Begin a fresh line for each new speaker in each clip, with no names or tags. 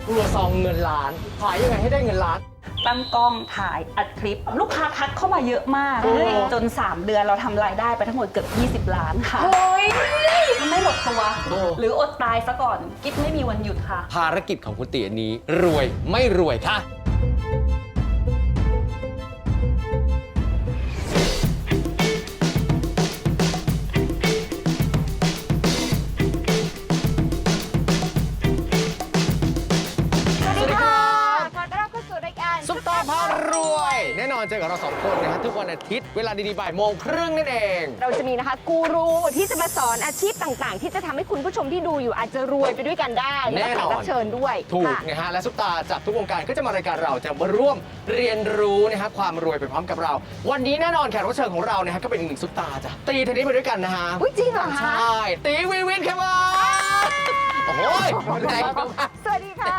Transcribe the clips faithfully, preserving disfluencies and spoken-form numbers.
ครัวซองเงินล้านขายยังไงให้ได้เงินล้าน
ตั้งกล้องถ่ายอัดคลิป ลูกค้าทักเข้ามาเยอะมากจนสามเดือนเราทำรายได้ไปทั้งหมดเกือบยี่สิบล้านค่ะเฮ้ยไม่หมดตัวหรืออดตายซะก่อนกิ๊บไม่มีวันหยุดค่ะ
ภารกิจของคุณตีอันนี้รวยไม่รวยค่ะซุปตาพารวยแน่นอนเจอกับเราสองคนนะฮะทุกวันอาทิตย์เวลาดีๆบ่ายโมงครึ่งนั่นเอง
เราจะมีนะคะกูรูที่จะมาสอนอาชีพต่างๆที่จะทำให้คุณผู้ชมที่ดูอยู่อาจจะรวยไปด้วยกันได้แน่นอนรับเชิญด้วย
ถูกนะฮะและซุปตาจากทุกวงการก็จะมารายการเราจะมาร่วมเรียนรู้นะฮะความรวยไปพร้อมกับเราวันนี้แน่นอนแขกรับเชิญของเรานะฮะก็เป็นอีกหนึ่งซุปตาจ้ะตีเทนนิสไปด้วยกันนะฮะ
จริงเหรอคะ
ใช่ตีวีวินครับโอ้โห
สวัสดีค่ะ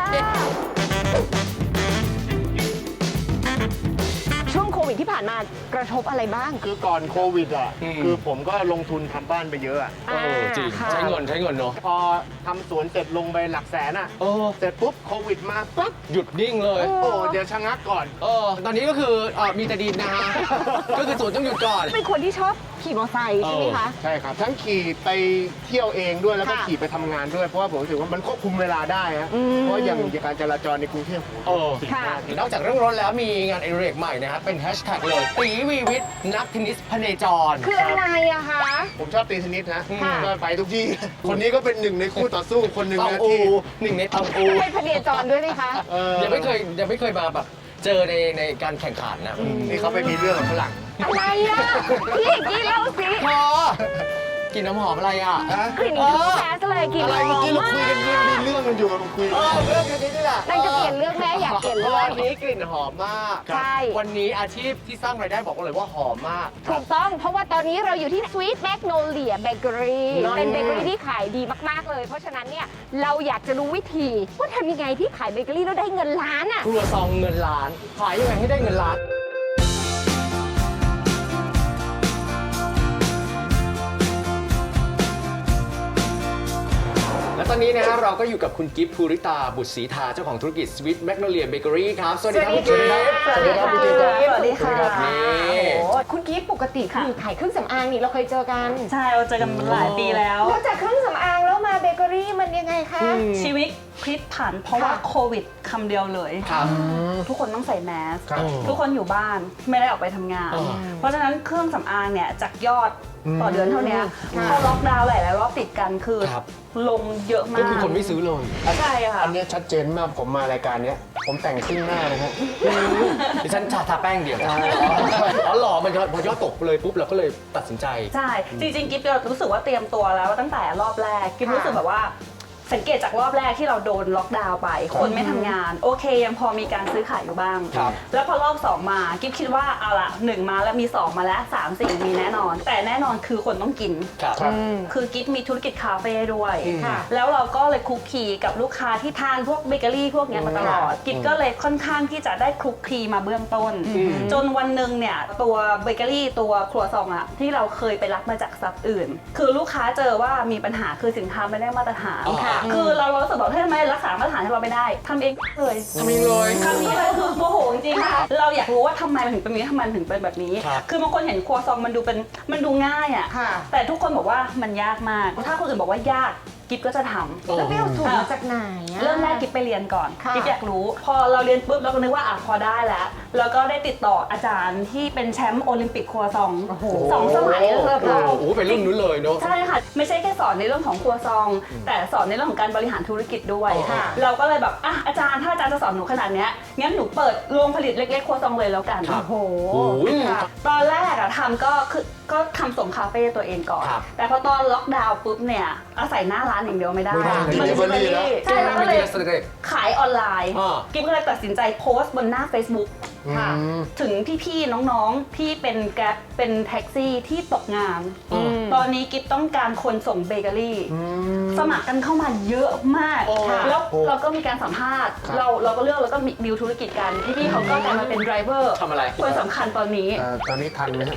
ช่วงโควิดที่ผ่านมากระทบอะไรบ้าง
คือก่อนโควิดอ่ะคือผมก็ลงทุนทำบ้านไปเยอะอ่ะ
เออจริงใช้เงินใช้เงินเนาะ
พอทำสวนเสร็จลงไปหลักแสนอ่ะเสร็จปุ๊บโควิดมาปั๊บ
หยุดนิ่งเลย
โอ้เดี๋ยวชะงักก่อน
เออตอนนี้ก็คือเออมีแต่ดินนะฮะก็คือสวนต้องหยุดก่อน
เป็นคนที่ชอบขี่มอเตอร์ไซค์ใช่ไหมคะ
ใช่ครับทั้งขี่ไปเที่ยวเองด้วยแล้วก็ขี่ไปทำงานด้วยเพราะว่าผมรู้สึกว่ามันควบคุมเวลาได้ฮะเพราะอย่างการจราจรในกรุงเทพ
โอ้นอกจากเรื่องรถแล้วมีงานไอเรกใหม่นะฮะเป็นแฮชแท็กเลยตีวีวิทย์นักเทนนิสพเนจร
คืออะไรอะคะ
ผมชอบตีเทนนิสนะก็ไปทุกที่คนนี้ก็เป็นหนึ่งในคู่ต่อสู้คนหนึ่งนะที่
หนึ่งในตองอู
เป็นพเนจรด้วยไหมคะ
ยังไม่เคยยังไม่เคยมาแบบเจอในในการแข่งขันนะ
นี่เขาไปมีเรื่องกับฝรั่ง
อะไรอะพี่กี้เล่าสิ
พอกินน้ำหอมอะไรอ่ะ
กลิ่นแก๊สเลยกลิ่น
อะไรเมื่อกี้เราคุยกันเรื่องดีเรื่องมันอยู่กับคุย
เรื่องนี้นี่แหละ
นั่นจะเปลี่ยนเรื่องแม่อยากเปลี่ยนเรื่อง
วันนี้กลิ่นหอมมาก
ใช่
วันนี้อาชีพที่สร้างรายได้บอกเลยว่าหอมมาก
ถูกต้องเพราะว่าตอนนี้เราอยู่ที่ Sweet Magnolia Bakery เป็นเบเกอรี่ที่ขายดีมากๆเลยเพราะฉะนั้นเนี่ยเราอยากจะรู้วิธีว่าทำยังไงที่ขายเบเกอรี่แล้วได้เงินล้านอ่ะ
ครัวซองเงินล้านขายยังไงให้ได้เงินล้านและตอนนี้นะฮะเราก็อยู่กับคุณกิฟต์ภูริตาบุตรศรีทาเจ้าของธุรกิจ Sweet Magnolia Bakery ครับสวัสดีครับคุณกิฟต์
สวัสดีครับคุณกิฟต์สวัสดีค่ะ
นี่
คุณกิฟต์ปกติคือขายเครื่องสำอางนี่เราเคยเจอกัน
ใช่เราเจอกันหลายปีแล้ว
แล้วจากเครื่องสำอางแล้วมาเบเกอรี่มันยังไงคะ
ชีวิตพลิกผันเพราะว่าโควิดคำเดียวเลยทุกคนต้องใส่แมสทุกคนอยู่บ้านไม่ได้ออกไปทำงานเพราะฉะนั้นเครื่องสำอางเนี่ยจากยอดต่อเดือนเท่านี้พอล็อกดาวน์หลายๆรอบติดกันคือลงเยอะมาก
ก็คือคนไม่ซื้อเลย
ใช่ค่ะ
อันนี้ชัดเจนมากผมมารายการนี้ผมแต่งครึ่งหน้านะฮะ
ดิฉันทาแป้งเดียวอ๋อหล่อมันพอยอดตกเลยปุ๊บเราก็เลยตัดสินใจ
ใช่จริงๆกิ๊บรู้สึกว่าเตรียมตัวแล้วตั้งแต่รอบแรกกิ๊บรู้สึกแบบว่าสังเกตจากรอบแรกที่เราโดนล็อกดาวน์ไปคนไม่ทำงานโอเคยังพอมีการซื้อขายอยู่บ้างแล้วพอรอบสองมากิ๊บคิดว่าเอาละหนึ่งมาแล้วมีสองมาแล้วสามสี่มีแน่นอนแต่แน่นอนคือคนต้องกินคือกิ๊บมีธุรกิจคาเฟ่ด้วยแล้วเราก็เลยคลุกคลีกับลูกค้าที่ทานพวกเบเกอรี่พวกนี้มาตลอดกิ๊บก็เลยค่อนข้างที่จะได้คลุกคลีมาเบื้องต้นจนวันหนึ่งเนี่ยตัวเบเกอรี่ตัวครัวซองอะที่เราเคยไปรับมาจากซับอื่นคือลูกค้าเจอว่ามีปัญหาคือสินค้าไม่ได้มาตรฐานคือเรารู้สึกแบบทำไมรักษามาตรฐานให้เราไม่ได้ทำเองเลย
ทำเองเลย
คำนี้เลยคือโมโหจริงๆค่ะเราอยากรู้ว่าทำไมมันถึงเป็นแบบนี้ทำไมถึงเป็นแบบนี้คือบางคนเห็นครัวซองมันดูเป็นมันดูง่ายอ่ะแต่ทุกคนบอกว่ามันยากมากถ้าคนอื่นบอกว่ายากกิ๊บก็จะทำ
แล้วไปเอาสูตรมาจากไหน
เริ่มแรกกิ๊บไปเรียนก่อนกิ๊บอยากรู้พอเราเรียนปุ๊บเราก็นึกว่าอ่ะพอได้แล้วแล้วก็ได้ติดต่ออาจารย์ที่เป็นแชมป์โอลิมปิกครัวซองสองสมัยเลย
ค่ะโอ้โหเป็นรุ่นนู้นเลยเนาะ
ใช่ค่ะไม่ใช่แค่สอนในเรื่องของครัวซองแต่สอนในเรื่องของการบริหารธุรกิจด้วยเราก็เลยแบบอ่ะอาจารย์ถ้าอาจารย์จะสอนหนูขนาดนี้งั้นหนูเปิดโรงผลิตเล็กๆครัวซองเลยแล้วกัน
โอ้โห
ตอนแรกอะทำก็คือก็ทำส่งคาเฟ่ตัวเองก่อนแต่พอตอนล็อกดาวน์ปุ๊บเนี่ยอาศัยหน้าร้านอย่างเดียวไม่ได้
มันจะเป็น
ใช่แล้วก็เลยขายออนไลน์กิ๊บก็เลยตัดสินใจโพสต์บนหน้า Facebook ค่ะถึงพี่ๆน้องๆที่เป็นแกร็บเป็นแท็กซี่ที่ตกงานตอนนี้กิ๊บต้องการคนส่งเบเกอรี่สมัครกันเข้ามาเยอะมากแล้วเราก็มีการสัมภาษณ์เราเราก็เลือกแล้วก็มีดิวธุรกิจกันพี่ๆเขาก็กลายมาเป็นไดรเวอร์
ทำอะไร
คนสำคัญตอนนี้
ตอนนี้ทันไหม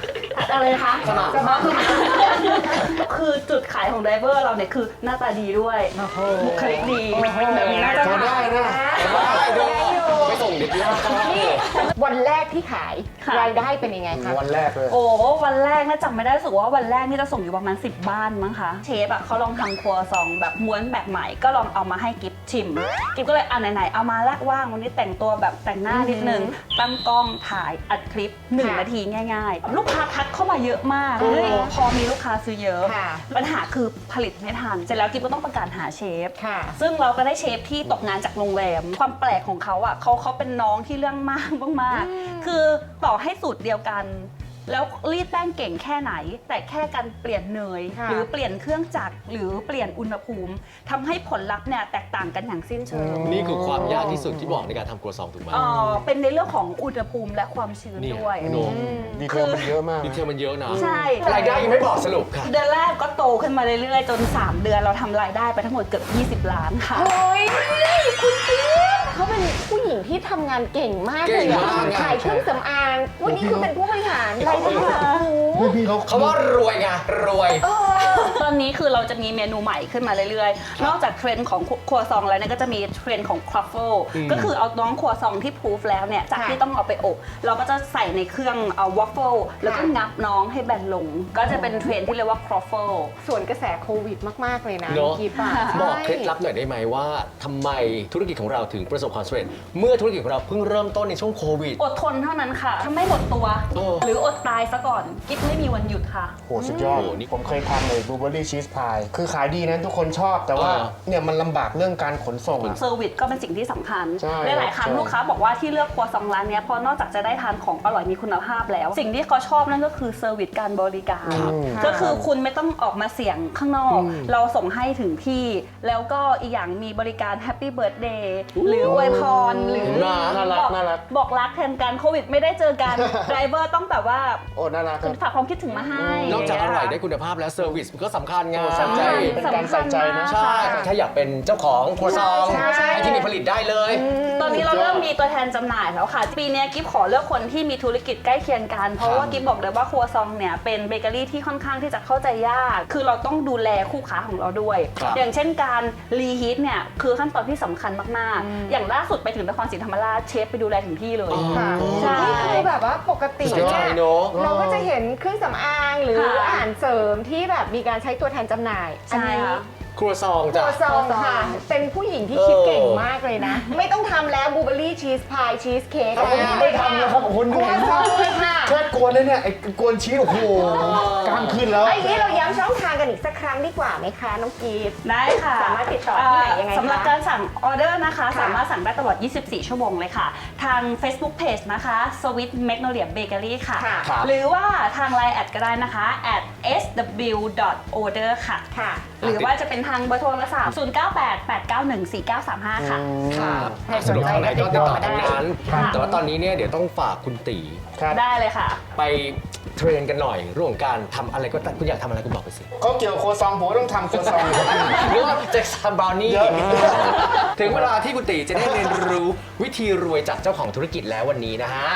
อะไรนะคะ
สมัคร
สมัครคือจุดขายของไดเวอร์เราเนี่ยคือหน้าตาดีด้วยบุคลิกดีแบบนี้น่าจะ
พอได้นะ
ได้ด้วยไปส่งเด็กที่ห้อง
นี่วันแรกที่ขาย
ค่ะ
รายได้เป็นยังไงคะ
วันแรกเลย
โอ้วันแรกน่าจำไม่ได้รู้สึกว่าวันแรกนี่จะส่งอยู่ประมาณสิบบ้านมั้งคะเชฟอ่ะเขาลองทำครัวซองแบบม้วนแบบใหม่ก็ลองเอามาให้กิฟชิมกิฟก็เลยอ่ะไหนๆเอามาละว่างวันนี้แต่งตัวแบบแต่งหน้านิดนึงตั้งกล้องถ่ายอัดคลิปหนึ่ง
ค่ะ
นาทีง่ายๆ ลูกค้าทักเข้ามาเยอะมากเฮ้ยพอมีลูกค้าซื้อเยอะ
ค่ะ
ปัญหาคือผลิตไม่ทันเสร็จแล้วกิฟก็ต้องประกาศหาเชฟ
ค่ะ
ซึ่งเราก็ได้เชฟที่ตกงานจากโรงแรม ความแปลกของเขาอ่ะเขาเขาเป็นน้องที่เรื่องมากมากๆคือต่อให้สูตรเดียวกัน แล้วรีดแป้งเก่งแค่ไหน แต่แค่การเปลี่ยนเนย
ค่ะ
หรือเปลี่ยนเครื่องจักรหรือเปลี่ยนอุณหภูมิทำให้ผลลัพธ์เนี่ยแตกต่างกันอย่างสิ้นเชิง
นี่คือความยากที่สุดที่บอกในการทำครัวซองถูกไหม
เอ่อเป็นในเรื่องของอุณหภูมิและความชื้น
นี่
ด้วย
โน้
ดีเทลมันเยอะมาก
ดีเทลมันเยอะนะ
ใช่
รายได้ยังไม่บอกสรุปค่ะ
เดือนแรกก็โตขึ้นมาเรื่อยๆ จน สาม เดือนเราทำรายได้ไปทั้งหมดเกือบยี่สิบล้านค่ะ
โอ้ยคุณกิ๊ฟเขาเป็นผู้หญิงที่ทำงานเก่งมากเลย
เก่ง
อะ
มากอะ
ขายเครื่องสำอางวันนี้คือเป็นผู้บริหารรายได้แบบโอ้โห
พี่เขา
เขาว่ารวยไงรวย
ตอนนี้คือเราจะมีเมนูใหม่ขึ้นมาเรื่อยๆ นอกจากเทรนด์ของครัวซองแล้วเนี่ยก็จะมีเทรนด์ของครัฟเฟิล
อืม
ก็คือเอาน้องครัวซองที่พูฟแล้วเนี่ยจาก
ค่ะ
ที่ต้องเอาไปอบ เราก็จะใส่ในเครื่องเอาวัฟเฟิลแล้วก็
ค่ะ
งับน้องให้แบนลง ก็จะเป็นเทรนด์ที่เรียกว่าครัฟเฟิล
ส่วนกระแสโควิดมาก ๆ เลยนะ
เนอะ
กิฟต์อะ
บอก
ใช่
เคล็ดลับหน่อยได้ไหมว่าทำไมธุรกิจของเราถึงประสบความสำเร็จ เมื่อธุรกิจของเราเพิ่งเริ่มต้นในช่วงโควิด
อดทนเท่านั้นค่ะ ถ้าไม่หมดตัว
เออ
หรืออดตายซะก่อน กิ๊บไม่มีวันหยุดค่ะ
โหสุดยอด
โอ้โหนี่
ผมเคยทำเลยบลูเบอร์รี่ชีสพายคือขายดีนะทุกคนชอบ แต่ว่า
เออ
เนี่ยมันลำบากเรื่องการขนส่งอะ
เซอร์วิสก็เป็นสิ่งที่สำคัญ
ใช่
หลายๆครั้ง
ใช่
ลูกค้าบอกว่าที่เลือกครัวซองร้านเนี้ยเพราะนอกจากจะได้ทานของอร่อยมีคุณภาพแล้ว สิ่งที่เขาชอบนั่นก็คือเซอร์วิสการบริการ
อืม
ก็คือคุณไม่ต้องออกมาเสี่ยงข้างนอก เราส่งให้ถึงที่ แล้วก็อีกอย่างมีบริการแฮปปี้เบิร์ a เดย์หรืออวยพรหรือ
น่ารัก
บอก
น่ารัก
บอกรักแทนกันโควิดไม่ได้เจอกันไดรเวอร์ต้องแบบว่า
โอ้น่ารักครับ
ฝากความคิดถึงมาให้
นอกจากอร่อยได้คุณภาพแล้วเซอร์วิสมันก็สำคัญไง
โอ้สำคัญ เป็นการใส่ใจนะ
ใช่ ถ้าอยากเป็นเจ้าของครัวซอง
ใช่ใช่
ให้ที่นี่ผลิตได้เลย
ตอนนี้เราเริ่มมีตัวแทนจำหน่ายแล้วค่ะ ปีนี้กิฟขอเลือกคนที่มีธุรกิจใกล้เคียงกัน เพราะว่ากิฟบอกเลยว่าครัวซองเนี่ยเป็นเบเกอรี่ที่ค่อนข้างที่จะเข้าใจยาก คือเราต้องดูแลคู่ค้าของเราด้วย
ครับ
อย่างเช่นการรีฮีทเนี่ยคือขั้นตอนที่สำคัญมากๆ อย่างล่าสุดไปถึงนครศรีธรรมราชเชฟไปดูแลถึงที่เลย
ค่ะ
ใช่
นี่คือแบบว่าปกติ
สุดยอด
เนี่ย
เนอะ
เราก็จะเห็นเครื่องสำอางหรือ
ค่ะ
อาหารเสริมที่แบบมีการใช้ตัวแทนจำหน่าย อัน
ใช่
นี้
ค่ะ
ครัวซอง
ตั
จ้ะ
วซองค่ะ เป็นผู้หญิงที่คิด
เออ
เก่งมากเลยนะ ไม่ต้องทำแล้วบลูเบอร์รี่ชีสพายชีสเค้ก
ไม่ทำแล้วครับคุณ
ครัวซองเลยค่ะ
แค่กวนเลยเนี่ยไอ้กวนชีสโอ้โหกล้ามขึ้นแล้ว
ไอ้นี้เราย้ำช่องทางกันอีกสักครั้งดีกว่าไหมคะน้องกีฟ
ได้ค่ะ
สามารถติดต่อที่ไหนยังไงคะ
สำหรับการสั่งออเดอร์นะคะ
ค่ะ
สามารถสั่งได้ตลอด ยี่สิบสี่ ชั่วโมงเลยค่ะ ทาง Facebook Page นะคะ Sweet Magnolia Bakery ค่ะ
ค่ะ
ครับ
หรือว่าทาง ไลน์ แอดก็ได้นะคะ แอท เอส ดับเบิลยู ดอท โอ เดอร์ ค่ะ
ค่ะ
หรือว่าจะเป็นทางเบอร์โทรศัพท์ ศูนย์ เก้า แปด แปด เก้า หนึ่ง สี่ เก้า สาม ห้า ค่ะ
ค่ะ
สะดวกทางไหนก็ติดต่อทางนั้น
ค่ะ
แต่ว่าตอนนี้เนี่ยเดี๋ยวต้องฝากคุณตี
ครับ
ได้เลยค่ะ
ไปเทรนกันหน่อยเรื่องของการทำอะไรก็ตามคุณอยากทำอะไรคุณบอกไปสิ
ก็เกี่ยวกับโครัวซองผมก็ต้องทำโครัวซอง
หรือว่าจะทำบราวนี่
เยอะ
ถึงเวลาที่คุณตีจะได้เรียนรู้วิธีรวยจากเจ้าของธุรกิจแล้ววันนี้นะฮะ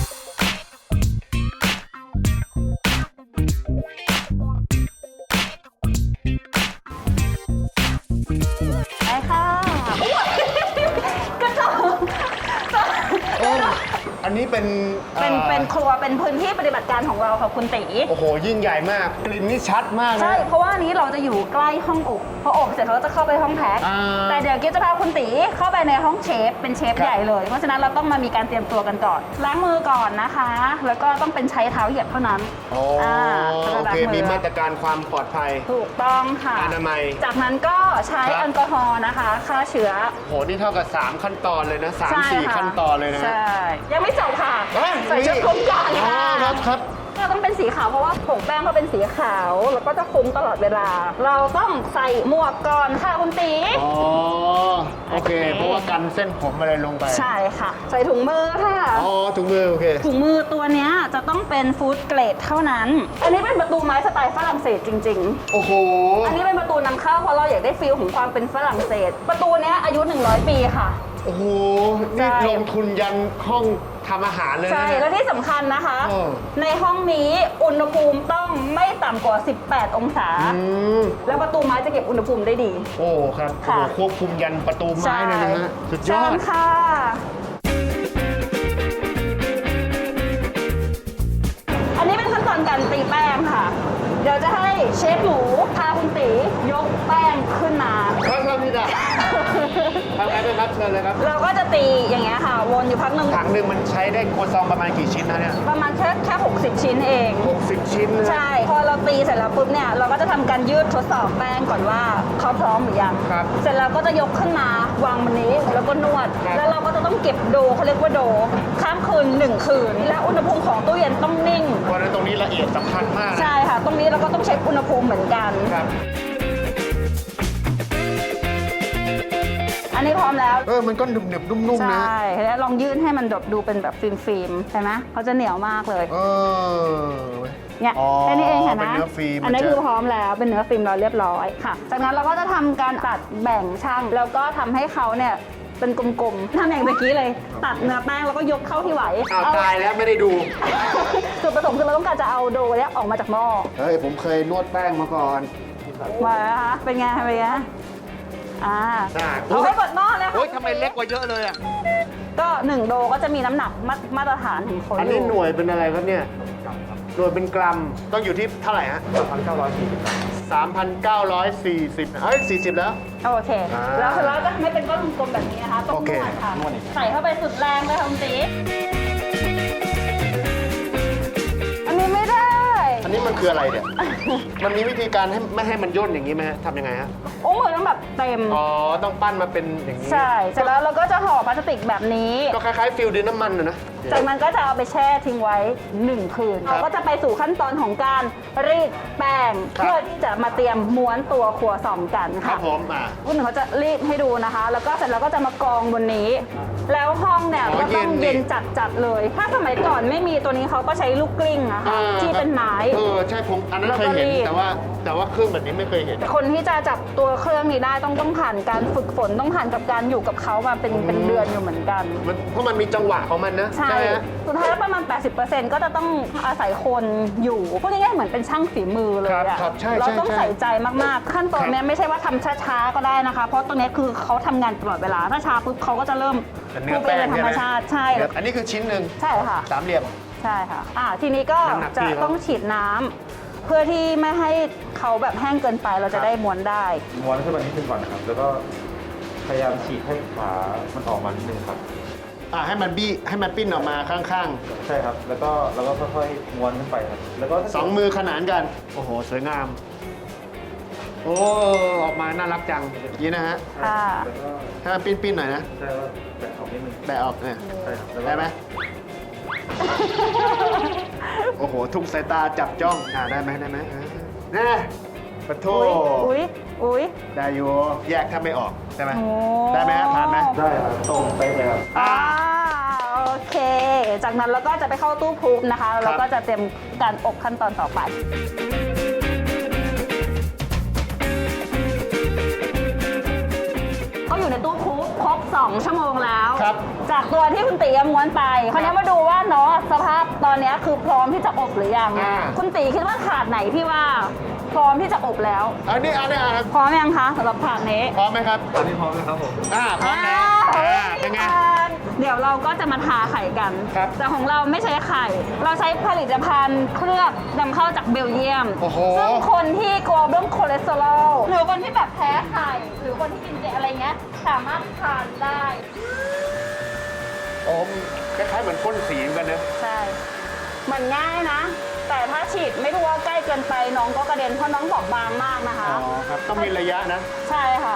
ได้ค่ะกระจก
อันนี้เป็น
เป็น
อ่อ
เป็นครัวเป็นพื้นที่ปฏิบัติการของเราค่ะคุณตี
โอ้โห ยิ่งใหญ่มาก กลิ่นนี่ชัดมากนะ
ใช่ เพราะว่าอันนี้เราจะอยู่ใกล้ห้องอบพออบเสร็จเราก็จะเข้าไปห้องแพ็ค
อ่า
แต่เดี๋ยวกิ๊บจะพาคุณตีเข้าไปในห้องเชฟ เป็นเชฟ
ครับ
ใหญ่เลย เพราะฉะนั้นเราต้องมามีการเตรียมตัวกันก่อน ล้างมือก่อนนะคะ แล้วก็ต้องเป็นใช้เท้าเหยียบเท่านั้น
โอ้
อ่า
โอเค มีมาตรการความปลอดภัย
ถูกต้องค่ะ
อนามัย
จากนั้นก็ใช้
ครับ
แอลกอฮอล์นะคะฆ่าเชื้อ
โห นี่เท่ากับ 3 ขั้นตอนเลยนะสาม
ใช่
สี่
ค่ะ
ขั้นตอนเลยนะ
ใช่ ยังไม่จบค่ะ
เอ้ย
ใส่ชุดคลุมก่อน
อ๋อ
ค่ะ
ครับครับ
ก็ต้องเป็นสีขาวเพราะว่าผงแป้งเขาเป็นสีขาว แล้วก็จะคลุมตลอดเวลา เราต้องใส่หมวกก่อนค่ะคุณตี
อ๋อ โอเค เพราะว่ากันเส้นผมอะไรลงไป
ใช่ค่ะ ใส่ถุงมือค่ะ
อ๋อ ถุงมือ โอเค
ถุงมือตัวเนี้ยจะต้องเป็นฟู้ดเกรดเท่านั้น อันนี้เป็นประตูไม้สไตล์ฝรั่งเศสจริง
โอ้โห
ๆ อันนี้เป็นประตูนำเข้าเพราะเราอยากได้ฟีลของความเป็นฝรั่งเศส ประตูเนี้ยอายุหนึ่งร้อยปีค่ะ
โอ้โห
ใช่
นี่ลงทุนยันห้องทำอาหารเลยนะ
ใช่แล้วที่สำคัญนะคะ
โอ้
ในห้องนี้อุณหภูมิต้องไม่ต่ำกว่า สิบแปด องศา
อืม
แล้วประตูไม้จะเก็บอุณหภูมิได้ดี
โอ้ครับโอ้
ค่ะ
โหควบคุมยันประตูไม้เลยนะฮะสุดยอ
เชิ
ด
ญค่ะ อันนี้เป็นขั้นตอนการตีแป้งค่ะ เดี๋ยวจะให้เชฟหมูพาคุณตียกแป้งขึ้นมา
ครับครับพี่ดาทำไงด้วยครับเชิญเลยครับ
เราก็จะตีอย่างเงี้ยค่ะ วนอยู่พักหนึ่ง
ถังหนึ่งมันใช้ได้ครัวซองประมาณกี่ชิ้นนะเนี่ย
ประมาณแค่แค่หกสิบชิ้นเอง
หกสิบชิ้นนะ
ใช่ พอเราตีเสร็จแล้วปุ๊บเนี่ย เราก็จะทำการยืดทดสอบแป้งก่อนว่าเขาพร้อมหรือยัง
ครับ
เสร็จแล้วก็จะยกขึ้นมาวางบนนี้แล้วก็นวด
ครับ
แล้วเราก็จะต้องเก็บโดเขาเรียกว่าโดข้ามคืนหนึ่งคืน และอุณหภูมิของตู้เย็นต้องนิ่ง
เพราะฉะนั้นตรงนี้ละเอียดสำคัญมากนะ
ใช่ค่ะ ตรงนี้เราก็ต้องเช็คอุณหภูมิเหมือนกัน
ครับ
อันนี้พร้อมแล้ว
เออมันก็หนึบหนึบๆนุ่มๆนะ
ใช่แล้วลองยื่นให้มันแบบดูเป็นแบบฟิล์มๆใช่ไหมเขาจะเหนียวมากเลย
เออ
เนี่ย
อ๋อ
แค่นี้เองค่ะ
เป็น
นะ
เนื้อฟิล์ม
อันนี้
มันจะ
คือพร้อมแล้วเป็นเนื้อฟิล์มเราเรียบร้อยค่ะ จากนั้นเราก็จะทำการตัดแบ่งช่างแล้วก็ทำให้เขาเนี่ยเป็นกลมๆทำอย่างเมื่อกี้เลย ตัดเนื้อแป้งแล้วก็ยกเข้าที่ไหว
อ้าว
เอา
ตายแล้วไม่ได้ดู
จุดประสงค์คือเราต้องการจะเอาโดเนี้ยออกมาจากหม้อ
เฮ้ย ผมเคยนวดแป้งมาก่อน
มาแล้วคะเป็นไงเป็นไงอ่า
น่า
เอาให้หมดหม้อเลยค่ะ
โอ้ยทำไมเล็กกว่าเยอะเลยอ่ะ
ก็หนึ่งโดก็จะมีน้ำหนักมามาตรฐานของเขา
อัน
อ
นี้
ยู่
หน่วยเป็นอะไรครับเนี่ย หน่วยเป็นกรัม ต้องอยู่ที่เท่าไหร่ฮะ
สามพันเก้าร้อยสี่สิบ
สามพันเก้าร้อยสี่สิบเอ้ยสี่สิบแล้ว
โอเค
อ่า
แล้วเสร็จแล้วจะไม่เป็นก้อนกลมๆแบบนี้นะคะต้อง
โอน เค
วดค่ะ
นวดอีก
ใส่เข้าไปสุดแรงเลยค่ะคุณตีอันนี้ไม่ได้
อันนี้มันคืออะไรเนี่ย มันมีวิธีการให้ไม่ให้มันย่นอย่างนี้ไหมฮะทำยังไงฮะ
โอ้โหต้องแบบเต็ม
อ๋อ ต้องปั้นมาเป็นอย่างนี้
ใช่ เสร็จแล้วเราก็จะห่อพลาสติกแบบนี้
ก็คล้ายๆฟิลดินน้ำมันนะนะ
จากนั้นก็จะเอาไปแช่ทิ้งไว้หนึ่งคืน
ครับ
เราก็จะไปสู่ขั้นตอนของการรีดแป้ง
ครับ
เพื่อที่จะมาเตรียมม้วนตัวครัวซองกัน
ครั
ค่ะ
บผมอ่ะ
คุณหนึ่งเขาจะรีดให้ดูนะคะ แล้วก็เสร็จแล้วก็จะมากองบนนี้ แล้วห้องเนี่ย
อ๋อ
ก็ต้อง
เย็
เย็
น
น
ดิ
จัดจัดๆเลย ถ้าสมัยก่อนไม่มีตัวนี้เขาก็ใช้ลูกกลิ้งอะค่ะ
อ่า
ที่เป็นไม้
เออ ใช่ผมอันนั้น
แล้ว
เค
ก็
ยเห็น
รีด
แต่ว่าแต่ว่าเครื่องแบบนี้ไม่เคยเห็น
คนที่จะจับตัวเครื่องนี้ได้ต้องต้องผ่านการฝึกฝนต้องผ่านกับการอยู่กับเขามาเป็นเป็นเดือนอยู่เหมือนกัน
มันเพราะมันมีจังหวะของมันนะ
ใช่
ไหมฮะ
สุดท้ายแล้วประมาณ แปดสิบเปอร์เซ็นต์ ก็จะต้องอาศัยคนอยู่พูดง่ายๆเหมือนเป็นช่างฝีมือเลย
ครับ
อะ
ครับใช่
เรา
ใช่
ต้อง
ใช่
ใส่ใจมากๆ ขั้นตอนเนี้ยไม่ใช่ว่าทำช้าๆก็ได้นะคะ เพราะตรงเนี้ยคือเขาทำงานตลอดเวลา ถ้าช้าปุ๊บเขาก็จะเริ่ม
เป็นเนื้อ
พูดเป็น
แป้ง
ธรรมชาติใช่
เนื้ออันนี้คือชิ้นหนึ่ง
ใช่ค่ะ
สามเหลี่ยม
ใช่ค่ะอ่าทีนี้ก็
น้ำหนัก
จะ
พี่เขา
ต้องฉีดน้ำเพื่อที่ไม่ให้เขาแบบแห้งเกินไปเราจะได้ม้วนได้
ม้วนขึ้นมานิดนึงก่อนนะครับ แล้วก็พยายามฉีกให้ขา มันออกมานิดนึงครับ
อ่าให้มันบี้ให้มันปิ้นออกมาข้าง
ใช่ครับ แล้วก็แล้วก็ค่อยๆม้วนขึ้นไปครับ แล้วก็
ๆสองมือขนานกัน โอ้โห สวยงาม โอ้ออกมาน่ารักจังอย่างนี้นะฮะ
ค่ะ
แล้วก็
ให้มันปิ้นๆหน่อยนะ
ใช่ว่าแบะออกนิดนึง
แบะออกเนี่ย
ใช่ครับแล้วก็
ได้ไหม โอ้โห ทุกสายตาจับจ้อง อ่าได้ไหมได้ไหมอ่าแน่ปะโท
อุ้ยอุ้ยอุ้ย
ได้อยู่แยกถ้าไม่ออกใช่ไหม
โอ้
ได้ไหมฮะผ่านไหม
ได้ครับตรงเป๊ะเลยครับ
อ่า
อ่าโอเค จากนั้นเราก็จะไปเข้าตู้พรูฟนะคะ แล้วเราก็จะเตรียมการอบขั้นตอนต่อไป ก็อยู่ในตู้พรูฟครบ สอง ชั่วโมงแล้ว
ครับ
จากตัวที่คุณตีม้วนไปคราวนี้มาดูว่าเนาะสภาพตอนนี้คือพร้อมที่จะอบหรือยัง
อ่า
คุณตีคิดว่าถาดไหนที่ว่าพร้อมที่จะอบแล้ว
อันนี้อันนี้อ่ะ
พร้อมยังคะสำหรับถาดนี้
พร้อมไหมครับ
ตอนนี้พร้อมแล้วครับผม
อ่าพร้อมแล้ว
อ่า
อ่าเป็นไง
เดี๋ยวเราก็จะมาทาไข่กัน
ครับ
แต่ของเราไม่ใช้ไข่ เราใช้ผลิตภัณฑ์เคลือบนำเข้าจากเบลเยียม
โอ้โห
ซึ่งคนที่กลัวเรื่องคอเลสเตอรอลหรือคนที่แบบแพ้ไข่ หรือคนที่กินเจอะไรเงี้ย สามารถทานได้
โอ้คล้ายๆเหมือนพ่นสีเหมือนกันนะ
ใช่ มันง่ายนะ แต่ถ้าฉีดไม่รู้ว่าใกล้เกินไปน้องก็กระเด็นเพราะน้องบอบบางมากนะคะ
อ๋อครับ ต้องมีระยะนะ
ใช่ค่ะ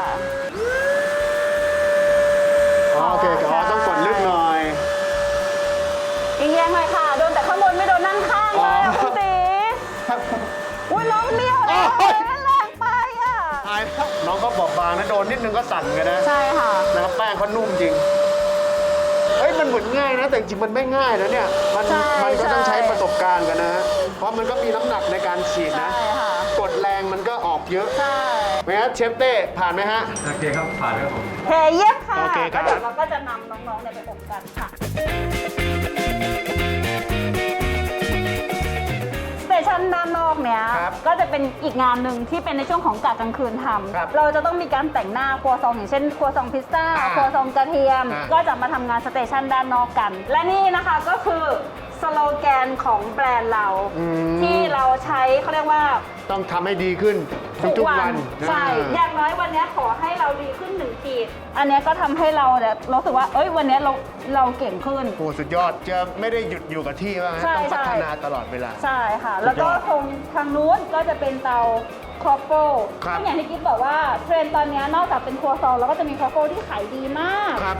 อ๋อโอเคอ๋อต้องกดลึกหน่อย
อีกแยงหน่อยค่ะ โดนแต่ข้างบนไม่โดนนั่งข้างเลยอะ
อ๋อ
คุณตีอุ้ยน้องเบี้ยวเลย
โอ้ย
มันแรงไปอ่ะ
ตายแล้วน้องก็บอบบางนะ โดนนิดนึงก็สั่นกันนะ
ใช่ค่ะ
นะครับแป้งเขานุ่มจริง เฮ้ย มันเหมือนง่ายนะ แต่จริงๆมันไม่ง่ายนะเนี่ย มัน
ใช่
มันก็ต้อง
ใช่
ใช้ประสบการณ์กันนะฮะเพราะมันก็มีน้ำหนักในการฉีด
ใช่
นะ
ค่ะ
กดแรงมันก็ออกเยอะ
ใช่
ไหมฮะเชฟเต้ผ่านไหมฮะ
โอเคครับ ผ่านครับผม
เฮเยี่ยมค่ะ
โอเคครับ
แล้วเดี๋ยวเราก็จะนำน้องๆเนี่ยไปอบกันค่ะสเตชันด้านนอกเนี้ย
ครับ
ก็จะเป็นอีกงานหนึ่งที่เป็นในช่วงของกะกลางคืนท
ครับ
ำเราจะต้องมีการแต่งหน้าครัวซองอย่างเช่นครัวซองพิซซ่า
อ่า
ครัวซองกระเทียม
อ่า
ก็จะมาทำงานสเตชันด้านนอกกัน และนี่นะคะก็คือสโลแกนของแบรนด์เรา
อืม
ที่เราใช้เขาเรียกว่า
ต้องทำให้ดีขึ้นทุกๆวัน
ใช่
อ่า
อย่างน้อยวันนี้ขอให้เราดีขึ้นหนึ่งขีดอันเนี้ยก็ทำให้เราเนี่ยรู้สึกว่าเอ้ยวันนี้เราเราเก่งขึ้น
โอ้สุดยอดจะไม่ได้หยุดอยู่กับที่ว่างั้น
ใช่
ต้องพัฒ
ใช่
นาตลอดเวลา
ใช่ค่ะ แล้วก็
สุดยอด
ตรงทางนู้นก็จะเป็นเตาครอฟเฟิล
ครับ
ซึ่งอย่างที่กิ๊ฟบอกว่าเทรนด์ตอนนี้นอกจากเป็นครัวซองแล้วก็จะมีครอฟเฟิลที่ขายดีมาก
ครับ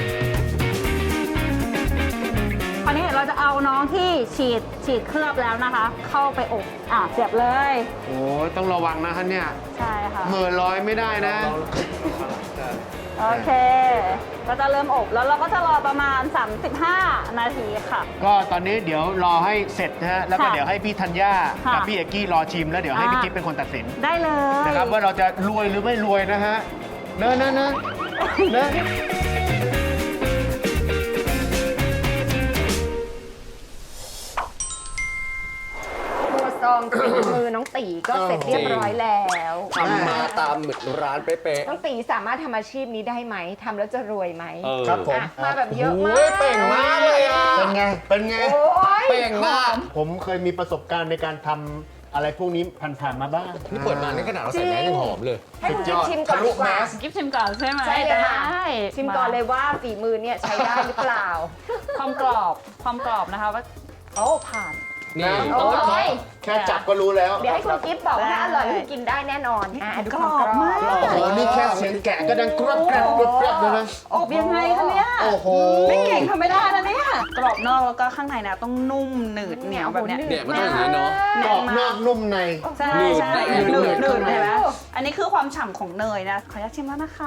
คราวนี้เราจะเอาน้องที่ฉีดฉีดเคลือบแล้วนะคะ เข้าไปอบอ่ะเสียบเลย
โอ้ต้องระวังนะท่านเนี่ย
ใช่ค่ะ
เหม่อลอยไม่ได้นะ
โอเค ก็จะเริ่มอบแล้วเราก็จะรอประมาณ สามสิบห้า นาทีค่ะ
ก็ตอนนี้เดี๋ยวรอให้เสร็จนะฮะแล้วก็
ค่ะ
เดี๋ยวให้พี่ธัญญา
ค่ะ
กับพี่เอกกี้รอชิมแล้วเดี๋ยวให้
อ่า
พี่กิ๊ฟเป็นคนตัดสิน
ได้เลย
นะครับว่าเราจะรวยหรือไม่รวยนะฮะเนอะเนอะเนอะเนอะ
ครัวซองฝีมือน้องตีก็เสร็จเรียบร้อยแล้ว
ทำมาตามเหมือนร้านเป๊ะ
น้องตีสามารถทำอาชีพนี้ได้ไหมทำแล้วจะรวยไหม
ๆเออ
ครับผม
อ่ะมาแบบเยอะมาก
โอ้ยเป่งมากเลยอ่ะ
เป็นไง เป็นไง
โอ้ย
เป่งมาก
ผมเคยมีประสบการณ์ในการทำอะไรพวกนี้ผ่านๆมาบ้าง
นี่เปิดมาในขนาดเราใส่แมสยังหอมเลย
ให้คุณ
สุดยอด
ชิมก่อน
ทะลุ
ดีกว่า
แมส
กิ๊ฟชิมก่อนใช่ไหม
ใช่เลยค่ะ
ได้
ชิมก่อนเลยว่าฝีมือเนี่ยใช้ได้หรือเปล่า
ความกรอบความกรอบนะคะว่าโอ้ผ่าน
นี่
โอ้ย
แค่จับก็รู้แล้ว
เดี๋ยวให้คุณกิฟต์บอกว่าถ้าอร่อยคุณกินได้แน่นอนอ่ะดูความกรอบ
กรอบมาก
โอ้โห นี่แค่เสียงแกะก็ดังกรอบแกรบกรอบแกรบเลยนะ
อบยังไงคะเนี่ย
โอ้โห
ไม่เก่งทำไม่ได้นะเนี่ยกรอบนอกแล้วก็ข้างในนะต้องนุ่มหนืดเหนียวแบบเนี้ย
เนี่ยมันต้องอย่างนี้เนาะ
กรอบนอกนุ่มใน
ใช่ใช่
หนืด
หนืดหนืด
หนืด
เห็นไหมอันนี้คือความฉ่ำของเนยนะ ขออนุญาตชิมแล้วนะคะ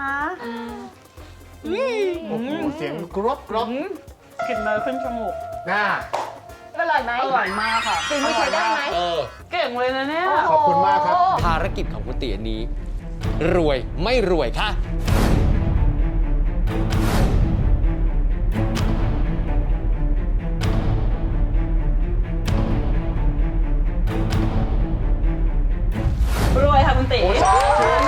โอ้โห เสียงกรอบกรอบ
อืมกลิ่นเนยขึ้นจมูก
น่า
อร่อยไหม
อร่อยมากค่ะ
ฝีมือใช้ได้ไหม
เออ
เก่งเลยนะเนี่ย
ขอบคุณมากครับ
ภารกิจของคุณตีอันนี้ รวยไม่รวยค่ะ
รวยค่ะคุณติ
สา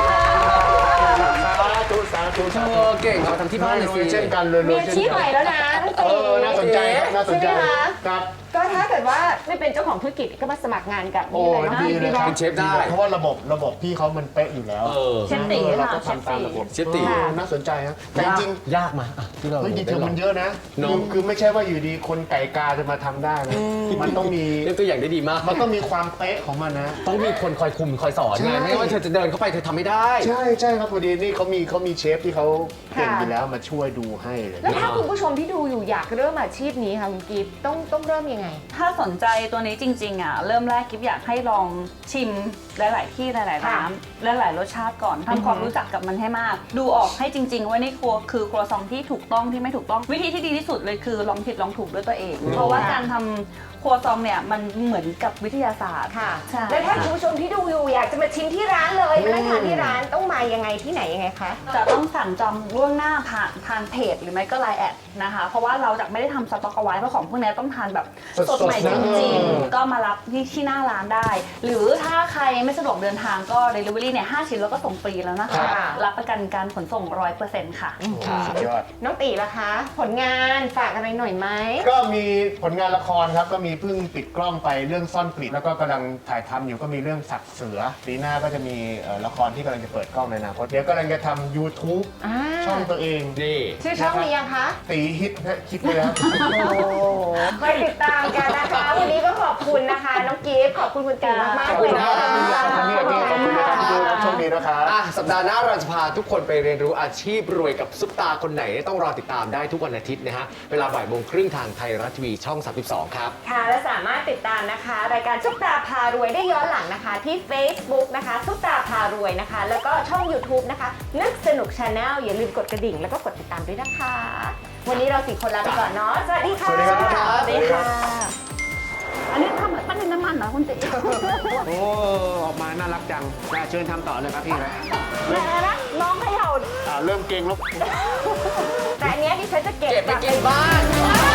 ธุสาธุสา
เอ
ธุ
อเก่งเอามาทำที่บ้านเลย
รว
สิ
ยเช่นกันเลยร
มี
วย
อา
เช่น
ชีพ
กั
ใหม่แล้วนะน้อง
เอ
ตี
อ น่าสนใจครับ น่าสนใจ
ใช่ไหมคะ
ครับ
ก็ถ้าเกิดว่าไม่เป็นเจ้าของธุรกิจก็มาสมัครงานกับ
โอ้
นี่เลยเนาะ
ดีเลยครับ
เป็นเชฟได้
เพราะว่าระบบระบบพี่เขามันเป๊ะอยู่แล้ว
เออ
เชฟตี
เรา
ค่ะ
ก็ทำตามระบบ
เชฟตี
ออน่าสนใจครับแต่จริง
ยากมาอ่ะที่เรา
ๆเฮ้ยดีเทลมันเยอะนะ
เน
คือ
อะ
คือไม่ใช่ว่าอยู่ดีคนไก่กาจะมาทำได้นะ มันต้องมี
เล่นตัวอย่างได้ดีมาก
มันต้องมีความเป๊ะของมันนะ
ต้องมีคนคอยคุมคอยสอน
ใช่
ไงไม่งั้นว่าเธอจะเดินเข้าไปเธอทำไม่ได้
ใช่ใช่ครับพอดีนี่เขามีเขามีเชฟที่เขาเก่งอยู่แล้วมาช่วยดูให้เลย
แล้วถ้าคุณผู้ชมที่ดูอยู่อยากเริ่มอาชีพนี้ค่ะคุณกิฟต์ต้องต้องเริ่มยังไง
ถ้าสนใจตัวนี้จริงๆอ่ะเริ่มแรกกิ๊บอยากให้ลองชิมหลาย ๆ ที่หลาย ๆ ร้านและหลายรสชาติก่อนทำความรู้จักกับมันให้มาก ดูออกให้จริง ๆ ว่านี่ครัวคือครัวซองที่ถูกต้องที่ไม่ถูกต้องวิธีที่ดีที่สุดเลยคือลองผิดลองถูกด้วยตัวเอง เพราะว่าการทำครัวซองเนี่ยมันเหมือนกับวิทยาศาสตร์
ค่ะ
ใช่
แล้วถ้าคุณผู้ชมที่ดูอยู่อยากจะมาชิมที่ร้านเลยมานั่งทานที่ร้านต้องมายังไงที่ไหนยังไงคะ
จะต้องสั่งจองล่วงหน้าผ่านทางเพจหรือไม่ก็ไลน์แอดนะคะเพราะว่าเราจะไม่ได้ทำสต็อกเอาไว้เพราะของพวกนี้ต้องทานแบบ
สดๆ
สดใหม่จริง
นะ
ๆ ก็มารับที่ที่หน้าร้านได้ หรือถ้าใครไม่สะดวกเดินทางก็ Delivery เนี่ยห้าชิ้นแล้วก็ส่งฟรีแล้วนะคะ
ค่ะ
รับประกันการขนส่ง ร้อยเปอร์เซ็นต์ ค่ะ
สุดยอด
น้องตีล่ะคะ ผลงานฝากอะไรหน่อยไหม
ก็มีผลงานละครครับ ก็มีเพิ่งปิดกล้องไปเรื่องซ่อนกลิ่นแล้วก็กำลังถ่ายทำอยู่ก็มีเรื่องสัตว์เสือปีหน้าก็จะมีเอ่อละครที่กำลังจะเปิดกล้องในอนาคตเดี๋ยวกำลังจะทำ YouTube
อ่า
ช่องตัวเอง
นี่
ชื่อช่องนี้ยังคะ
ตีฮิตนะคิดไว้แล้ว
คอยติดตามกันนะคะ วันนี้ก็ขอบคุณนะคะ น้องกิฟต์ขอบคุณคุณตีมาก
ขอบ
ๆเล
คุณ
ย
นะ
นะ
ค
คะ
รับขอบคุณนะครับขอบคุณนะครับทุกโชคดีนะครับ
อ่ะสัปดาห์หน้าเราจะพาทุกคนไปเรียนรู้อาชีพรวยกับซุปตาคนไหนต้องรอติดตามได้ทุกวันอาทิตย์นะฮะเวลาบ่ายโมงครึ่งทางไทยรัฐทีวีช่องสามสิบสองครับ
ค่ะและสามารถติดตามนะคะ รายการซุปตาพารวยได้ย้อนหลังนะคะ ที่ Facebook นะคะซุปตาพารวยนะคะ แล้วก็ช่อง YouTube นะคะ นึกสนุก Channel อย่าลืมกดกระดิ่งแล้วก็กดติดตามด้วยนะคะ วันนี้เราสี่คนลาไปก่อนเนาะสวัสดีค่ะ
สวัสดีครับ
สวัสดีค่ะ
อันนี้ทำเหมือนปั้นดินน้ำมันเหรอคุณติ
โอ้ ออกมาน่ารักจังได้เชิญทำต่อเลยครับพี่ครับ
แม่นะน้องเขย่า
อ่าเริ่มเก่งแล้ว
แต่อันเนี้ยดิฉันจะเก็บ
เก็บไป
กลั
กินบ้าน
ว้าว